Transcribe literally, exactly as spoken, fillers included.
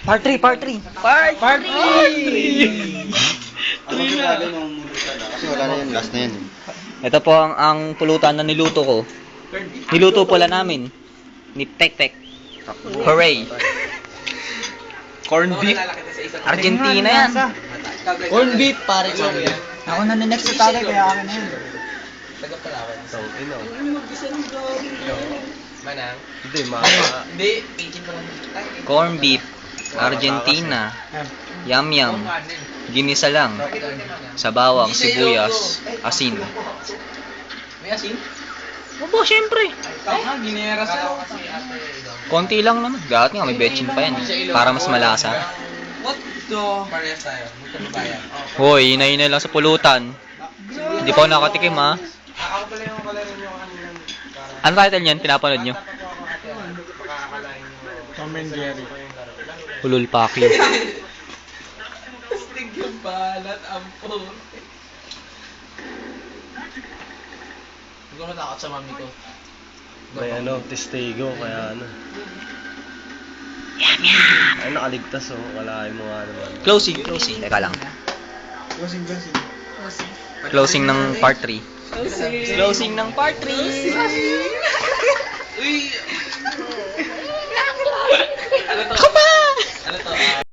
Part three, part three. Part Part three! Ang magkakali nung mulutan na. Kasi wala na yan, last na yan. eh. Ito po ang, ang pulutan na niluto ko. Niluto pala namin. Ni Tek Tek. Hooray! Corn beef. Argentina yan. Corn beef, pare. Ako na next sa tatay, kaya akin na yan. So, ino. Manang? Hindi, ma. Hindi, pikin pa lang. Corn beef. Argentina. Yum yum. Ginisa lang. Sa bawang, sibuyas, asin. May asin? Opo, syempre. Tama, ginera sa. Konti lang naman. Dapat nga may betchin pa yan. Para mas malasa. What the? Parehas tayo. Magkabayan. Hoy, inay-inay lang sa pulutan. Hindi pa ako nakatikim ha. Ako pala yung kalaro nyo kanina. Ano title niyan? Pinapanood nyo? Tom and Jerry. Hulul Paki. Stig yung balat, ampo. Hindi ko natakot sa mami ko. May ano, testigo, kaya ano. Yum, yum! Ay, nakaligtas oh. Kalahin mo nga naman. Closing, closing. Teka lang. Closing, closing. Closing ng part three. Closing ng part three. Uy!